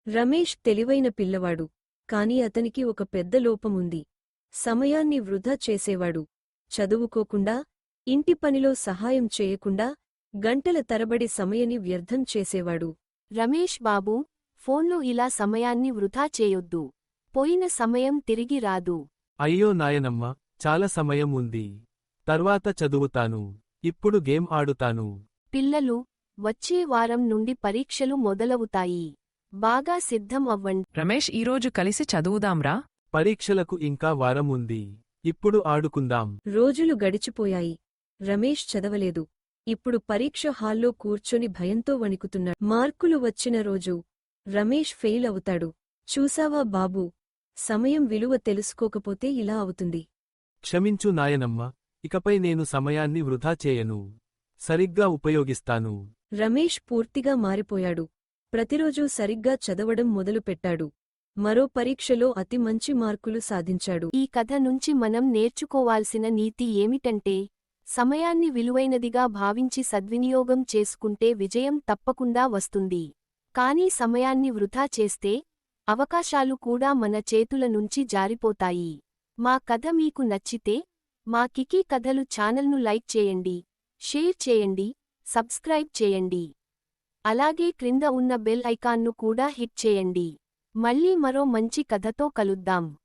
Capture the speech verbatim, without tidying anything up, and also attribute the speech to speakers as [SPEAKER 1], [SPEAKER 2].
[SPEAKER 1] రమేష్ తెలివైన పిల్లవాడు, కాని అతనికి ఒక పెద్ద లోపముంది. సమయాన్ని వృధా చేసేవాడు. చదువుకోకుండా, ఇంటి పనిలో సహాయం చేయకుండా, గంటల తరబడి సమయాన్ని వ్యర్థం చేసేవాడు.
[SPEAKER 2] రమేష్ బాబూ, ఫోన్లో ఇలా సమయాన్ని వృధా చేయొద్దు. పోయిన సమయం తిరిగి రాదు.
[SPEAKER 3] అయ్యో నాయనమ్మ, చాలా సమయం ఉంది. తర్వాత చదువుతాను. ఇప్పుడు గేమ్ ఆడుతాను.
[SPEAKER 2] పిల్లలు, వచ్చే వారం నుండి పరీక్షలు మొదలవుతాయి. బాగా సిద్ధం అవ్వండి.
[SPEAKER 4] రమేష్, ఈరోజు కలిసి చదువుదాంరా.
[SPEAKER 3] పరీక్షలకు ఇంకా వారం ఉంది. ఇప్పుడు ఆడుకుందాం.
[SPEAKER 1] రోజులు గడిచిపోయాయి. రమేష్ చదవలేదు. ఇప్పుడు పరీక్ష హాల్లో కూర్చొని భయంతో వణికుతున్నాడు. మార్కులు వచ్చిన రోజు రమేష్ ఫెయిల్ అవుతాడు. చూసావా బాబూ, సమయం విలువ తెలుసుకోకపోతే ఇలా అవుతుంది.
[SPEAKER 3] క్షమించు నాయనమ్మ, ఇకపై నేను సమయాన్ని వృధా చేయను. సరిగ్గా ఉపయోగిస్తాను.
[SPEAKER 1] రమేష్ పూర్తిగా మారిపోయాడు. ప్రతిరోజూ సరిగ్గా చదవడం మొదలుపెట్టాడు. మరో పరీక్షలో అతి మంచి మార్కులు సాధించాడు.
[SPEAKER 2] ఈ కథ నుంచి మనం నేర్చుకోవాల్సిన నీతి ఏమిటంటే, సమయాన్ని విలువైనదిగా భావించి సద్వినియోగం చేసుకుంటే విజయం తప్పకుండా వస్తుంది. కానీ సమయాన్ని వృధా చేస్తే, అవకాశాలు కూడా మన చేతుల నుంచి జారిపోతాయి. మా కథ మీకు నచ్చితే, మా కికీ కథలు ఛానల్ను లైక్ చేయండి, షేర్ చేయండి, సబ్స్క్రైబ్ చేయండి. అలాగే క్రింద ఉన్న బెల్ ఐకాన్ను కూడా హిట్ చేయండి. మళ్ళీ మరో మంచి కథతో కలుద్దాం.